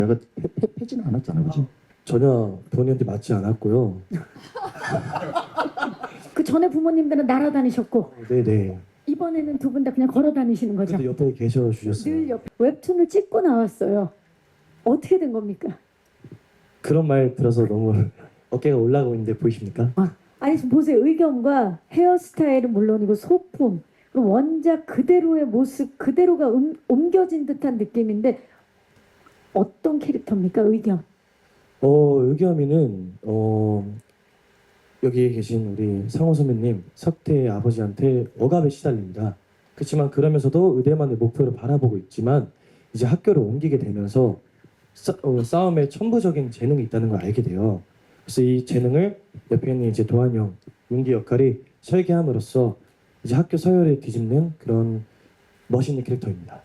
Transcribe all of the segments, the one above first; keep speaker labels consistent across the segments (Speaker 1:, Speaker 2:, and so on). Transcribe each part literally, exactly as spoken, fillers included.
Speaker 1: 내가 패, 패, 패지는 않았잖아, 그지?
Speaker 2: 전혀 본인한테 맞지 않았고요.
Speaker 3: 그 전에 부모님들은 날아다니셨고
Speaker 2: 네네.
Speaker 3: 이번에는 두 분 다 그냥 걸어 다니시는 거죠?
Speaker 2: 그래도 옆에 계셔 주셨어요.
Speaker 3: 늘 옆에 웹툰을 찍고 나왔어요. 어떻게 된 겁니까?
Speaker 2: 그런 말 들어서 너무 어깨가 올라가고 있는데 보이십니까?
Speaker 3: 아, 아니 지금 보세요. 의견과 헤어스타일은 물론이고 소품, 그 원작 그대로의 모습 그대로가 음, 옮겨진 듯한 느낌인데 어떤 캐릭터입니까? 의견.
Speaker 2: 어 의겸이는 어 여기에 계신 우리 상호 선배님 석태의 아버지한테 억압에 시달립니다. 그렇지만 그러면서도 의대만의 목표를 바라보고 있지만 이제 학교를 옮기게 되면서 싸, 어, 싸움에 천부적인 재능이 있다는 걸 알게 돼요. 그래서 이 재능을 옆에 있는 이제 도한 형, 윤기 역할이 설계함으로써 이제 학교 서열을 뒤집는 그런 멋있는 캐릭터입니다.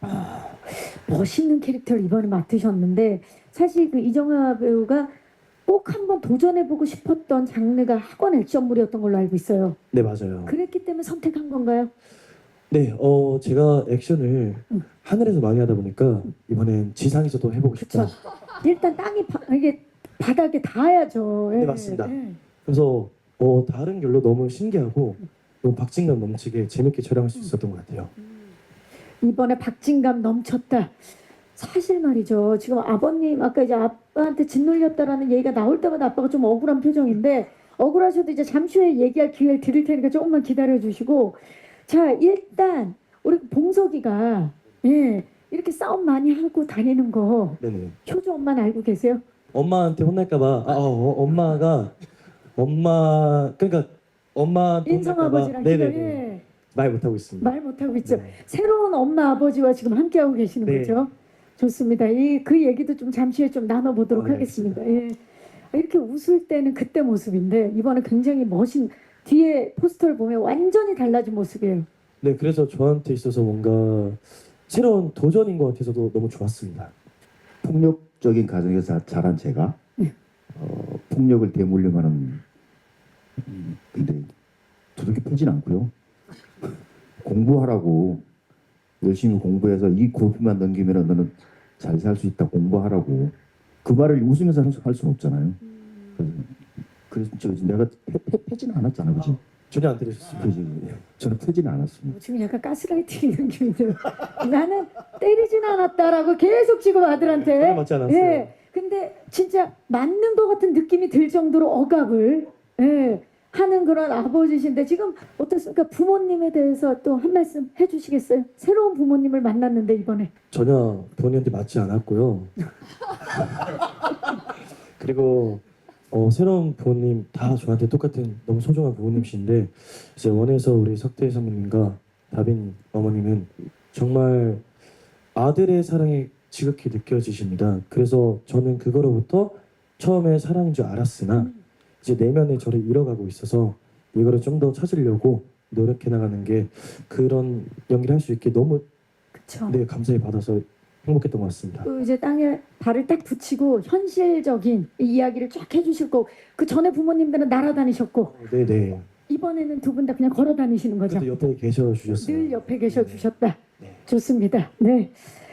Speaker 3: 멋있는 캐릭터를 이번에 맡으셨는데 사실 그 이정아 배우가 꼭 한번 도전해보고 싶었던 장르가 학원 액션물이었던 걸로 알고 있어요.
Speaker 2: 네 맞아요.
Speaker 3: 그랬기 때문에 선택한 건가요?
Speaker 2: 네, 어 제가 액션을
Speaker 3: 응.
Speaker 2: 하늘에서 많이 하다 보니까 이번엔 지상에서도 해보고 싶다.
Speaker 3: 그쵸. 일단 땅이 바, 이게 바닥에 닿아야죠. 예,
Speaker 2: 네, 맞습니다.
Speaker 3: 예.
Speaker 2: 그래서 어 다른 결로 너무 신기하고 너무 박진감 넘치게 재밌게 촬영할 수 있었던 것 같아요.
Speaker 3: 이번에 박진감 넘쳤다. 사실 말이죠. 지금 아버님 아까 이제 아빠한테 짓눌렸다라는 얘기가 나올 때마다 아빠가 좀 억울한 표정인데 억울하셔도 이제 잠시 후에 얘기할 기회를 드릴 테니까 조금만 기다려 주시고 자 일단 우리 봉석이가 예 이렇게 싸움 많이 하고 다니는 거
Speaker 2: 네네.
Speaker 3: 효주 엄마는 알고 계세요?
Speaker 2: 엄마한테 혼날까봐 아 어, 어, 엄마가 엄마 그러니까 엄마
Speaker 3: 인성 아버지랑
Speaker 2: 네네
Speaker 3: 기도, 예,
Speaker 2: 말 못하고 있습니다.
Speaker 3: 말 못하고 있죠.
Speaker 2: 네.
Speaker 3: 새로운 엄마 아버지와 지금 함께하고 계시는
Speaker 2: 네.
Speaker 3: 거죠. 좋습니다. 이 그 얘기도 좀 잠시 후에 좀 나눠보도록
Speaker 2: 어, 네,
Speaker 3: 하겠습니다. 예. 이렇게 웃을 때는 그때 모습인데 이번에 굉장히 멋진 뒤에 포스터를 보면 완전히 달라진 모습이에요.
Speaker 2: 네, 그래서 저한테 있어서 뭔가 새로운 도전인 것 같아서도 너무 좋았습니다.
Speaker 1: 폭력적인 가정에서 자- 자란 제가
Speaker 3: 네.
Speaker 1: 어, 폭력을 대물림하는 음, 근데 두둑이 패진 않고요. 공부하라고 열심히 공부해서 이 고비만 넘기면 너는 잘 살 수 있다 공부하라고 그 말을 웃으면서 할, 수- 할 수는 없잖아요. 그래서, 그래서 저, 내가 패, 패, 패지는 않았잖아, 그지?
Speaker 2: 전혀 안 들으셨습니다.
Speaker 1: 그지? 저는 패지는 않았습니다.
Speaker 3: 뭐 지금 약간 가스라이팅 느낌인데요. 나는 때리진 않았다라고 계속 지금 아들한테.
Speaker 2: 전혀 맞지 않았어요.
Speaker 3: 예. 근데 진짜 맞는 것 같은 느낌이 들 정도로 억압을 예, 하는 그런 아버지신데 지금 어떻습니까? 부모님에 대해서 또 한 말씀 해주시겠어요? 새로운 부모님을 만났는데 이번에.
Speaker 2: 전혀 본인한테 맞지 않았고요. 그리고 어, 새로운 부모님 다 저한테 똑같은 너무 소중한 부모님이신데 이제 원에서 우리 석태 선배님과 다빈 어머님은 정말 아들의 사랑이 지극히 느껴지십니다. 그래서 저는 그거로부터 처음에 사랑인 줄 알았으나 이제 내면에 저를 잃어가고 있어서 이거를 좀 더 찾으려고 노력해 나가는 게 그런 연기를 할 수 있게 너무
Speaker 3: 그쵸.
Speaker 2: 네, 감사히 받아서 행복했던 것 같습니다.
Speaker 3: 또 이제 땅에 발을 딱 붙이고 현실적인 이야기를 쫙 해주실 거고 그 전에 부모님들은 날아다니셨고
Speaker 2: 네네.
Speaker 3: 이번에는 두 분 다 그냥 걸어 다니시는 거죠?
Speaker 2: 그래도 옆에 계셔 주셨어요.
Speaker 3: 늘 옆에 계셔 주셨다.
Speaker 2: 네.
Speaker 3: 좋습니다. 네.